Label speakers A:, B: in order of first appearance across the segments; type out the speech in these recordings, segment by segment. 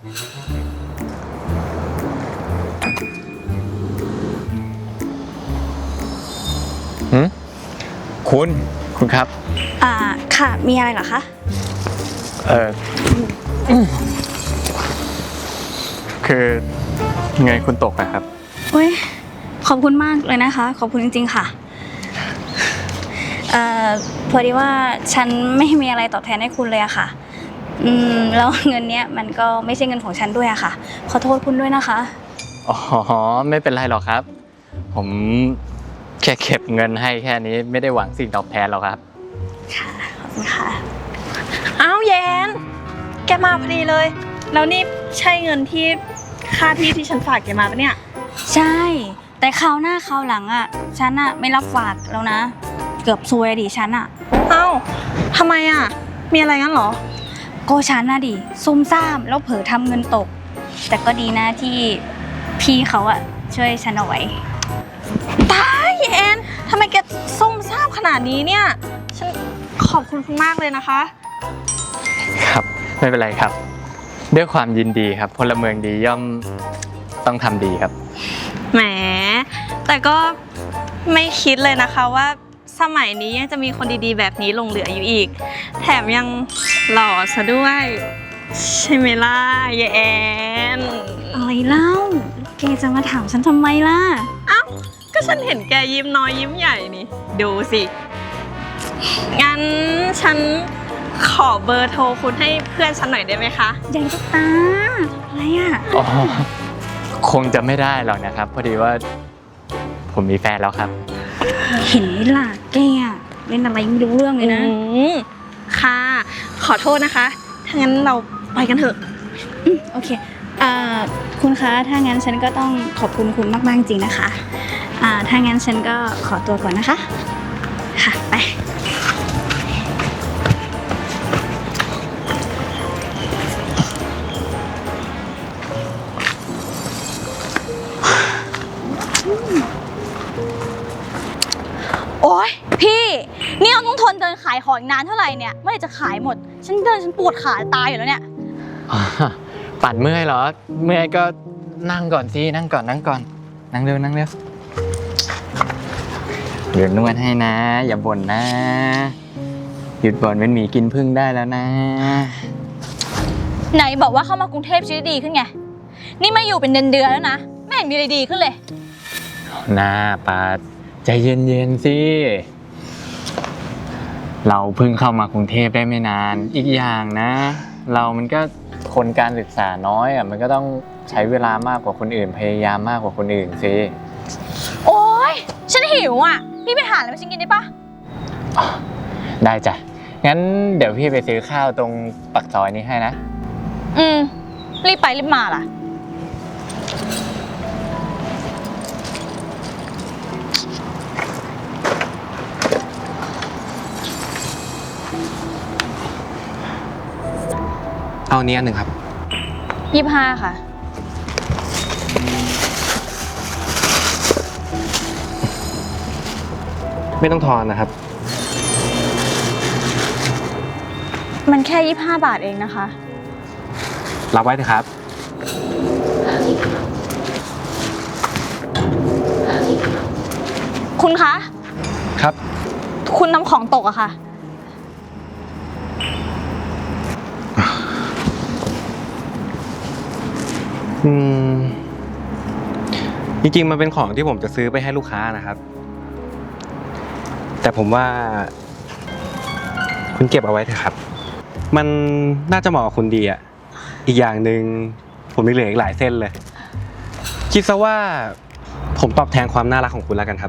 A: คุณครับ
B: ค่ะมีอะไรเหรอคะ
A: คือเงินคุณตกอะครับ
B: อุ้ยขอบคุณมากเลยนะคะขอบคุณจริงๆค่ะพอดีว่าฉันไม่มีอะไรตอบแทนให้คุณเลยอะค่ะแล้วเงินเนี้ยมันก็ไม่ใช่เงินของฉันด้วยอะค่ะขอโทษคุณด้วยนะคะ
A: อ๋อไม่เป็นไรหรอกครับผมแค่เก็บเงินให้แค่นี้ไม่ได้หวังสิ่งตอบแทนหรอกครับ
B: ค่ะขอบคุณค่ะ
C: อ้าวแยนแกมาพอดีเลยแล้วนี่ใช่เงินที่ค่าที่ฉันฝากแกมาปะเนี่ย
B: ใช่แต่คราวหน้าคราวหลังอ่ะฉันอ่ะไม่รับฝากแล้วนะเกือบซวยดิฉันอ่ะ
C: เอ้าทำไมอ่ะมีอะไรงั้นเหรอ
B: ก็ฉันน่ะดิซุ่มซ่ามแล้วเผลอทำเงินตกแต่ก็ดีนะที่พี่เขาอ่ะช่วยฉันเอาไว้
C: ตายแยนทำไมแกซุ่มซ่ามขนาดนี้เนี่ยฉันขอบคุณคุณมากเลยนะคะ
A: ครับไม่เป็นไรครับด้วยความยินดีครับพลเมืองดีย่อมต้องทำดีครับ
C: แหมแต่ก็ไม่คิดเลยนะคะว่าสมัยนี้ยังจะมีคนดีๆแบบนี้หลงเหลืออยู่อีกแถมยังหล่อซะด้วยใช่ไหมล่ะยายแอน
B: อะไรเล่าแกจะมาถามฉันทำไมล่ะ
C: เอ้าก็ฉันเห็นแกยิ้มน้อยยิ้มใหญ่นี่ดูสิงั้นฉันขอเบอร์โทรคุณให้เพื่อนฉันหน่อยได้ไหมคะ
B: ใหญ่ตุ๊กตาอะไรอ่ะ
A: อ๋อคงจะไม่ได้หรอกนะครับพอดีว่าผมมีแฟนแล้วครับ
B: เห็นไหมล่ะแกเล่นอะไรไม่รู้เรื่องเลยนะ
C: ค่ะขอโทษนะคะถ้างั้นเราไปกันเถอะ
B: โอเคคุณคะถ้างั้นฉันก็ต้องขอบคุณคุณมากๆจริงนะคะถ้างั้นฉันก็ขอตัวก่อนนะคะค่ะไป
D: โอ๊ยพี่นี่เราต้องทนเดินขายของนานเท่าไหร่เนี่ยเมื่อไหร่จะขายหมดฉันเดินฉันปวดขาตายอยู่แล้วเนี่ย
A: ปัดเมื่อยเหรอเมื่อยก็นั่งก่อนสินั่งก่อนนั่งเร็วเดี๋ยวนวดให้นะอย่าบ่นนะหยุดบ่นเป็นหมีกินพึ่งได้แล้วนะ
D: ไหนบอกว่าเข้ามากรุงเทพชีวิตดีขึ้นไงนี่มาอยู่เป็นเดือนแล้วนะไม่เห็นมีอะไรดีขึ้นเลย
A: น่าปัดใจเย็นๆสิเราเพิ่งเข้ามากรุงเทพได้ไม่นานอีกอย่างนะเรามันก็คนการศึกษาน้อยมันก็ต้องใช้เวลามากกว่าคนอื่นพยายามมากกว่าคนอื่นสิ
D: โอ๊ยฉันหิวอ่ะพี่ไปหาอะไรมาฉันกินได้ปะ
A: ได้จ้ะงั้นเดี๋ยวพี่ไปซื้อข้าวตรงปากซอยนี้ให้นะ
D: รีบไปรีบมาล่ะ
E: เอาเนี้ยหนึ่งครับ
D: 25ค่ะ
E: ไม่ต้องทอนนะครับ
D: มันแค่25 บาทเองนะคะ
E: รับไว้เถอะครับ
D: คุณคะ
E: ครับ
D: คุณนำของตกอะค่ะ
E: จริงๆมันเป็นของที่ผมจะซื้อไปให้ลูกค้านะครับแต่ผมว่าคุณเก็บเอาไว้เถอะครับมันน่าจะเหมาะกับคุณดีอ่ะอีกอย่างหนึ่งผมมีเหลืออีกหลายเส้นเลยคิดซะว่าผมตอบแทนความน่ารักของคุณแล้วกันครับ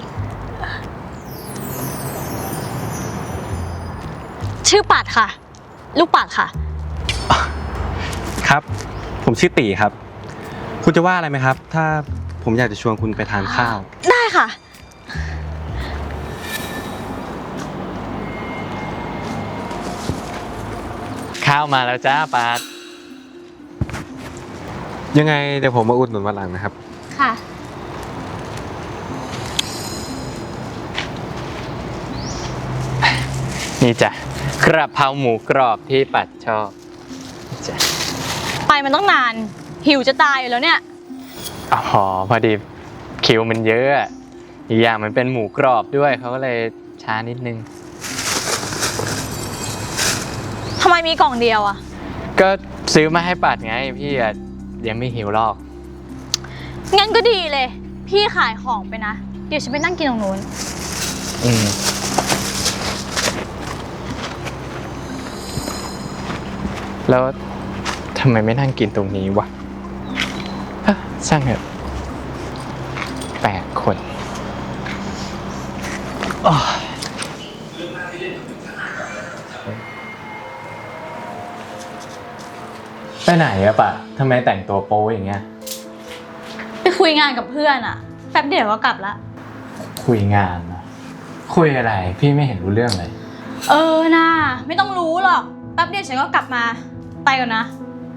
D: ชื่อปัดค่ะลูกปัดค่ะ
E: ครับผมชื่อตีครับคุณจะว่าอะไรไหมครับถ้าผมอยากจะชวนคุณไปทานข้าว
D: ได้ค่ะ
A: ข้าวมาแล้วจ้าปาด
E: ยังไงเดี๋ยวผมมาอุดหนุนวันหลังนะครับ
D: ค่ะ
A: นี่จ้ะกระเพราหมูกรอบที่ปัดชอบจ้ะ
D: ไปมันต้องนาน หิวจะตายอยู่แล้วเนี่ย
A: อ๋อพอดีคิวมันเยอะอะอีกอย่างมันเป็นหมูกรอบด้วยเขาก็เลยช้านิดนึง
D: ทำไมมีกล่องเดียวอะ
A: ก็ซื้อมาให้ปัดไงพี่อะยังไม่หิวหรอก
D: งั้นก็ดีเลย พี่ขายของไปนะ เดี๋ยวฉันไปนั่งกินตรงนู้น
A: อืมแล้วทำไมไม่นั่งกินตรงนี้วะฮะช่างเถอะ8 คนอ้อไปไหนอะปะทำไมแต่งตัวโป๊อย่างเงี้ย
D: ไปคุยงานกับเพื่อนอะแป๊บเดียวก็กลับละ
A: คุยงานนะคุยอะไรพี่ไม่เห็นรู้เรื่องเลย
D: น่าไม่ต้องรู้หรอก แป๊บเดียวฉันก็กลับมา ไปก่อนนะ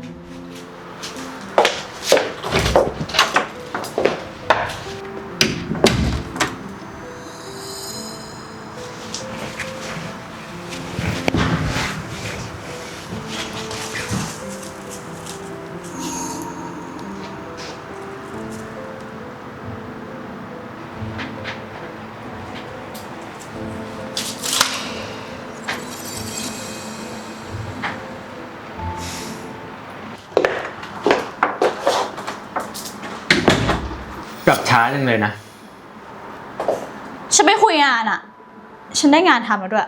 A: กลับช้าจังเลยนะ
D: ฉันไปคุยงานอะฉันได้งานทำแล้วด้วย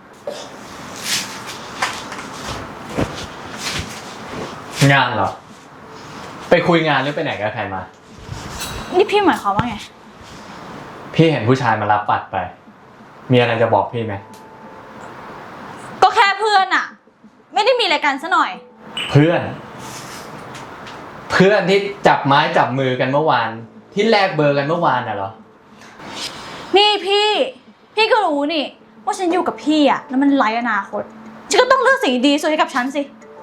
A: งานเหรอ ไปคุยงานหรือไปไหนกับใครมา
D: นี่พี่หมายความว่าไง
A: พี่เห็นผู้ชายมารับปัดไป มีอะไรจะบอกพี่ไหม
D: ก็แค่เพื่อนอะไม่ได้มีอะไรกันซะหน่อย
A: เพื่อน เพื่อนที่จับไม้จับมือกันเมื่อวาน ที่แลกเบอร์กันเมื่อวานน่ะเหรอ
D: นี่พี่ก็รู้นี่ ว่าฉันอยู่กับพี่อะแล้วมันไร้อนาคต ฉันก็ต้องเลือกสิ่งดีๆส่วนให้กับฉันสิ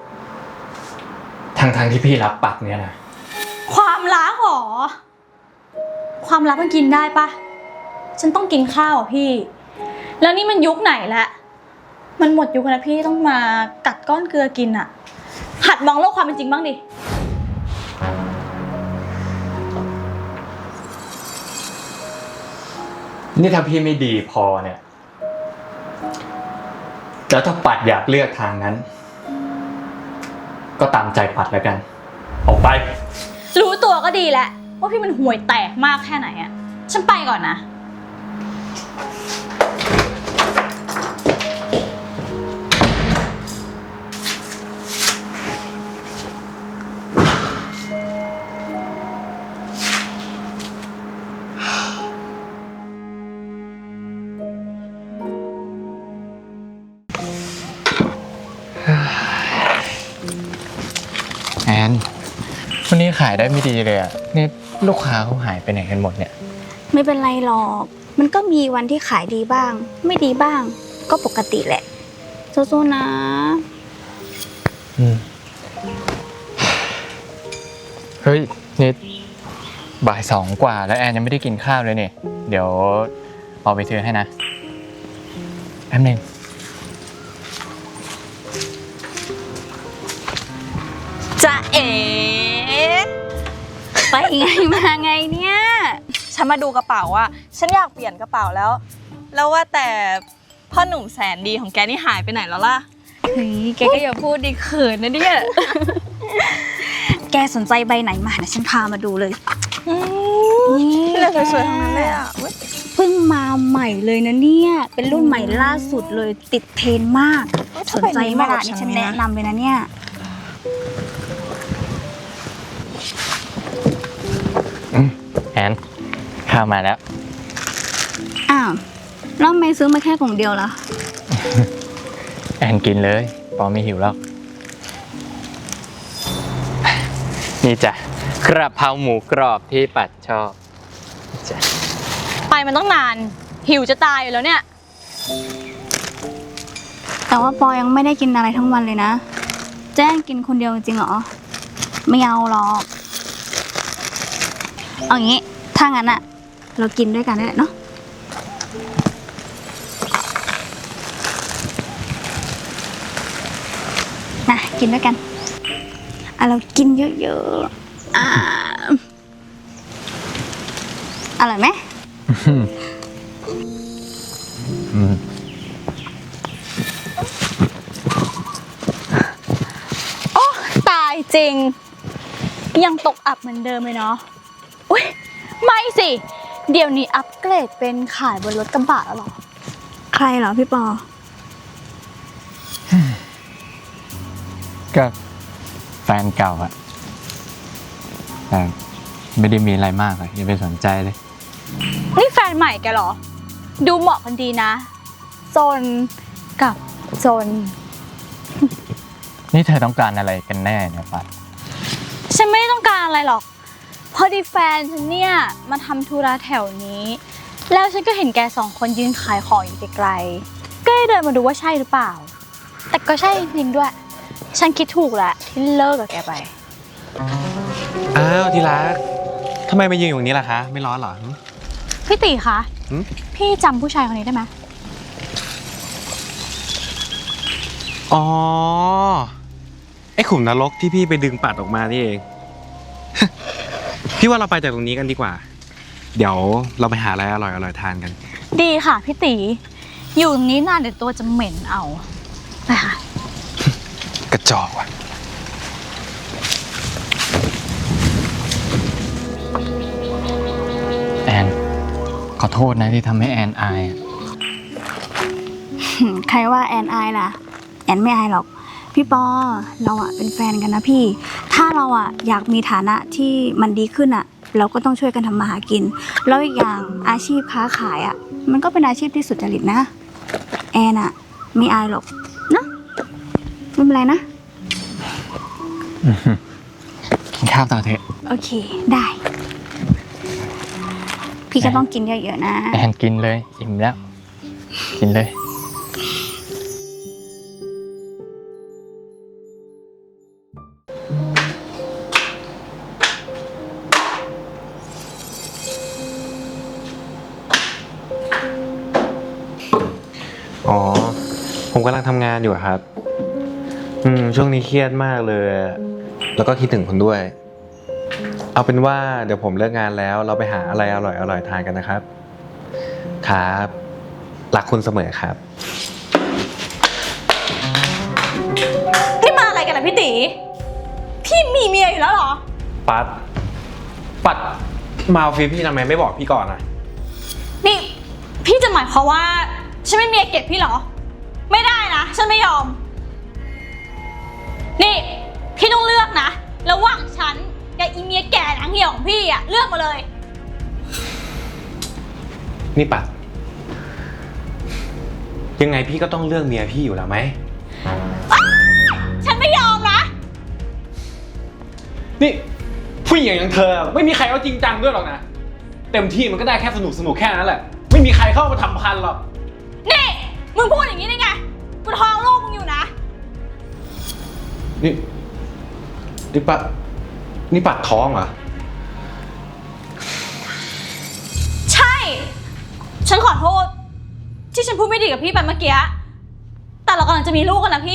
A: ทั้งที่พี่รับปัดเนี่ยนะ
D: ความรักเหรอ ความรักมันกินได้ปะ ฉันต้องกินข้าวอ่ะพี่ แล้วนี่มันยุคไหนแล้ว มันหมดยุคแล้วพี่ต้องมากัดก้อนเกลือกินอะหัดมองโลกความเป็นจริงบ้างดิ
A: นี่ถ้าพี่ไม่ดีพอเนี่ย แล้วถ้าปัดอยากเลือกทางนั้น ก็ตามใจปัดแล้วกัน ออกไป
D: รู้ตัวก็ดีแหละว่าพี่มันห่วยแตกมากแค่ไหนอะฉันไปก่อนนะ
A: แอนวันนี้ขายได้ไม่ดีเลยอ่ะนี่ลูกค้าเขาหายไปไหนกันหมดเนี่ย
B: ไม่เป็นไรหรอก มันก็มีวันที่ขายดีบ้าง ไม่ดีบ้าง ก็ปกติแหละสู้ๆนะ
A: เฮ้ยนี่บ่าย 2 กว่าแล้วแอนยังไม่ได้กินข้าวเลยเนี่ยเดี๋ยวเอาไปซื้อให้นะแป๊บนึง
C: จะเอ๋
B: ไปไงมาไงเนี่ย
C: ฉันมาดูกระเป๋าอะฉันอยากเปลี่ยนกระเป๋าแล้ว แล้วว่าแต่พ่อหนุ่มแสนดีของแกนี่หายไปไหนแล้วล่ะ
B: เฮ้ยแกก็อย่าพูดดิเขินนะเนี่ย แกสนใจใบไหนมานะฉันพามาดูเลย นี่
C: เลือกสวยๆทั้งนั้นเลยอะ
B: เพิ่งมาใหม่เลยนะเนี่ย เป็นรุ่นใหม่ล่าสุดเลยติดเทรนด์มาก สนใจไหมล่ะนี่ฉันแนะนำเลยนะเนี่ย
A: แอนข้าวมาแล้ว
B: อ้าวแล้วทำไมซื้อมาแค่กล่องเดียวล่ะ
A: แอนกินเลยปอไม่หิวแล้ว นี่จ้ะกระเพราหมูกรอบที่ปัดชอบจ้ะ
D: ไปมันต้องนาน หิวจะตายอยู่แล้วเนี่ย
B: แต่ว่าปอยังไม่ได้กินอะไรทั้งวันเลยนะ แจ้งกินคนเดียวจริงเหรอ ไม่เอาหรอก เอางี้ ถ้างั้นอะเรากินด้วยกันได้แหละเนาะนะกินด้วยกัน อเรากินเยอะๆอร่อยไหม
A: อืม
D: ตายจริง ยังตกอับเหมือนเดิมเลยเนาะอุ้ยไม่สิ เดี๋ยวนี้อัปเกรดเป็นขายบนรถกระบะแล้วเหรอ
B: ใครเหรอพี่ปอ
A: ก็แฟนเก่าอะแต่ไม่ได้มีอะไรมากอะอย่าไปสนใจเลย
D: นี่แฟนใหม่แกเหรอ ดูเหมาะกันดีนะโซนกับโซน
A: นี่เธอต้องการอะไรกันแน่เนี่ยปัด
D: ฉันไม่ได้ต้องการอะไรหรอก พอดีแฟนฉันเนี่ยมาทำธุระแถวนี้ แล้วฉันก็เห็นแกสองคนยืนขายของอยู่ไกลๆก็เลยเดินมาดูว่าใช่หรือเปล่า แต่ก็ใช่จริงด้วย ฉันคิดถูกแหละที่เลิกกับแกไป
E: อ้าวที่รักทำไมมายืนอยู่ตรงนี้ล่ะคะ ไม่ร้อนเหรอ
D: พี่ตีคะ
E: หืม
D: พี่จำผู้ชายคนนี้ได้ไหม
E: อ๋อ ไอ้ขุมนรกที่พี่ไปดึงปัดออกมานี่เอง พี่ว่าเราไปจากตรงนี้กันดีกว่า เดี๋ยวเราไปหาอะไรอร่อยๆทานกัน
D: ดีค่ะพี่ตีอยู่ตรงนี้นานเดี๋ยวตัวจะเหม็นเอาไปค่ะ
E: กระจอกว่ะ
A: แอนขอโทษนะที่ทำให้แอนอายอะ
B: ใครว่าแอนอายล่ะ แอนไม่อายหรอก พี่ปอเราอะเป็นแฟนกันนะพี่ ถ้าเราอะอยากมีฐานะที่มันดีขึ้นอะเราก็ต้องช่วยกันทำมาหากิน แล้วอีกอย่างอาชีพค้าขายอะมันก็เป็นอาชีพที่สุจริตนะ แอนอะไม่อายหรอกนะไม่เป็นไรนะ
A: กินข้าวต่อเถอะ
B: โอเคได้ พี่ก็ต้องกินเยอะๆนะ
A: แอนกินเลยอิ่มแล้ว กินเลย
E: อ๋อ ผมกำลังทำงานอยู่อะครับ ช่วงนี้เครียดมากเลย แล้วก็คิดถึงคุณด้วย เอาเป็นว่าเดี๋ยวผมเลิกงานแล้วเราไปหาอะไรอร่อยๆทานกันนะครับ ครับ รักคุณเสมอครับ
D: นี่มาอะไรกันนะพี่ตีพี่มีเมียอยู่แล้วเหรอ
E: ปัดมาเอาฟีพี่ทำไมไม่บอกพี่ก่อนอะ
D: นี่พี่จะหมายความว่าฉันไม่มีเมียเก็บพี่เหรอ ไม่ได้นะฉันไม่ยอม นี่พี่ต้องเลือกนะระหว่างฉันกับอีเมียแก่หนังเหี่ยวของพี่อะเลือกมาเลย
E: นี่ปัด ยังไงพี่ก็ต้องเลือกเมียพี่อยู่แล้วไหม
D: ฉันไม่ยอมนะ
E: นี่ผู้หญิงอย่างเธอไม่มีใครเอาจริงจังด้วยหรอกนะ เต็มที่มันก็ได้แค่สนุกแค่นั้นแหละ ไม่มีใครเข้ามาทำพันหรอก
D: นี่มึงพูดอย่างนี้ได้ไงกูท้องลูกมึงอยู่นะ
E: นี่ปัดท้องเหรอ
D: ใช่ ฉันขอโทษ ที่ฉันพูดไม่ดีกับพี่ไปเมื่อกี้แต่เรากำลังจะมีลูกกันนะพี่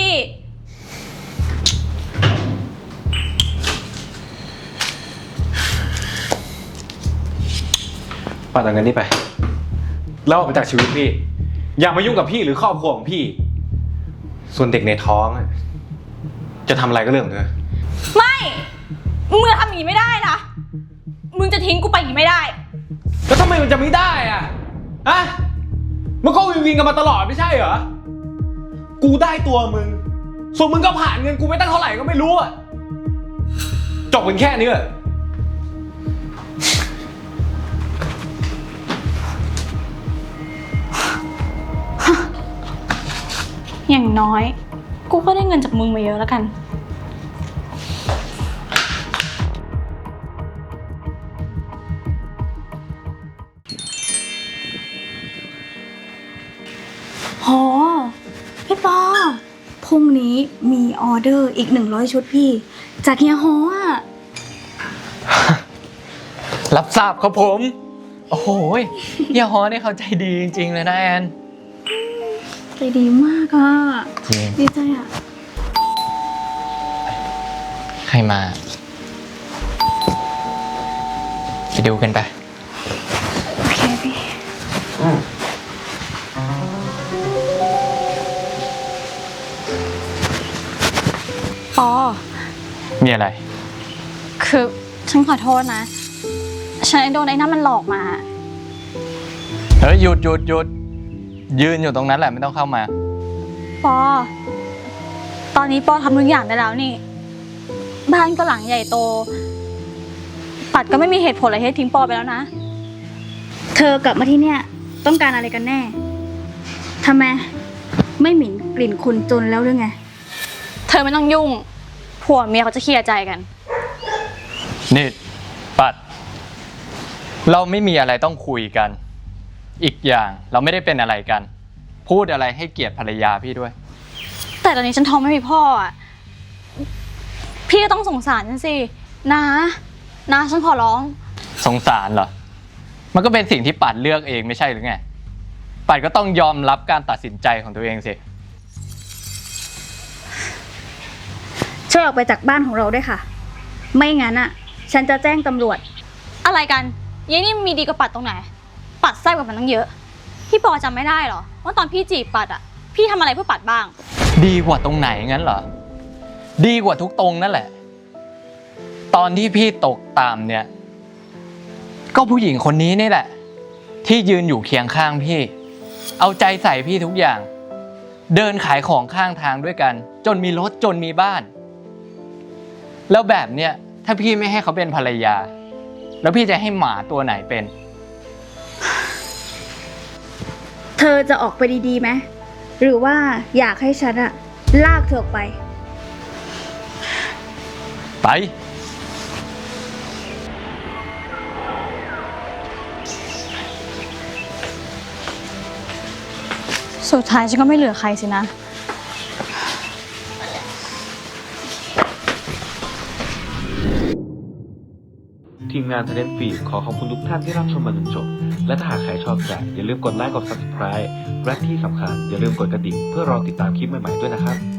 E: ปัดเอาเงินนี่ไป แล้วออกไปจากชีวิตพี่ อย่ามายุ่งกับพี่หรือครอบครัวของพี่ ส่วนเด็กในท้องอะจะทำอะไรก็เรื่องของเธอ
D: ไม่ มึงจะทำอย่างนี้ไม่ได้นะ มึงจะทิ้งกูไปอย่างนี้ไม่ได้
E: แล้วทำไมมันจะไม่ได้อะฮะมันก็วินกันมาตลอดไม่ใช่เหรอ กูได้ตัวมึง ส่วนมึงก็ผ่านเงินกูไปตั้งเท่าไหร่ก็ไม่รู้อะจบกันแค่นี้เหรอ
D: อย่างน้อย กูก็ได้เงินจากมึงมาเยอะแล้วกัน
B: โห พี่ปอพรุ่งนี้มีออเดอร์อีก100 ชุดพี่ จากเฮียฮออ่ะ
A: รับทราบครับผม โอ้โหเฮียฮอนี่เขาใจดีจริงๆเลยนะแอน
B: ใจดีมากอ่ะ
A: จริง
B: ดีใจอ่ะ
A: ใครรมา ไปดูกันไป
B: โอเคพี่
D: ปอ
A: มีอะไร
D: คือฉันขอโทษนะ ฉันโดนไอ้นั่นมันหลอกมา
A: เฮ้ยหยุดหยุดหยุดยืนอยู่ตรงนั้นแหละไม่ต้องเข้ามา
D: ปอ ตอนนี้ปอทำทุกอย่างได้แล้วนี่ บ้านก็หลังใหญ่โต ปัดก็ไม่มีเหตุผลอะไรให้ทิ้งปอไปแล้วนะ
B: เธอกลับมาที่เนี่ยต้องการอะไรกันแน่ทำไมไม่หมิ่นกลิ่นคุณจนแล้วหรือไง
D: เธอไม่ต้องยุ่ง ผัวเมียเขาจะเคลียร์ใจกัน
A: นี่ปัด เราไม่มีอะไรต้องคุยกัน อีกอย่างเราไม่ได้เป็นอะไรกัน พูดอะไรให้เกียรติภรรยาพี่ด้วย
D: แต่ตอนนี้ฉันท้องไม่มีพ่ออ่ะ พี่ก็ต้องสงสารฉันสิ นะฉันขอร้อง
A: สงสารเหรอ มันก็เป็นสิ่งที่ปัดเลือกเองไม่ใช่หรือไง ปัดก็ต้องยอมรับการตัดสินใจของตัวเองสิ
B: ช่วยออกไปจากบ้านของเราด้วยค่ะ ไม่งั้นอ่ะ ฉันจะแจ้งตำรวจ
D: อะไรกันยายนี่มีดีกว่าปัดตรงไหน ปัดแซ่บกว่ามันตั้งเยอะ พี่ปอจำไม่ได้เหรอ ว่าตอนพี่จีบปัดอ่ะ พี่ทำอะไรเพื่อปัดบ้าง
A: ดีกว่าตรงไหนงั้นเหรอ ดีกว่าทุกตรงนั่นแหละ ตอนที่พี่ตกต่ำเนี่ย ก็ผู้หญิงคนนี้นี่แหละ ที่ยืนอยู่เคียงข้างพี่ เอาใจใส่พี่ทุกอย่าง เดินขายของข้างทางด้วยกัน จนมีรถจนมีบ้าน แล้วแบบเนี้ยถ้าพี่ไม่ให้เขาเป็นภรรยา แล้วพี่จะให้หมาตัวไหนเป็น
B: เธอจะออกไปดีๆไหมหรือว่าอยากให้ฉันอะลากเธอออกไป
A: ไป
D: สุดท้ายฉันก็ไม่เหลือใครสินะ
E: ทีมงาน Talent Feed ขอขอบคุณทุกท่านที่รับชมมาจนจบ และถ้าหากใครชอบใจอย่าลืมกดไลค์กด Subscribe และที่สำคัญอย่าลืมกดกระดิ่งเพื่อรอติดตามคลิปใหม่ๆด้วยนะครับ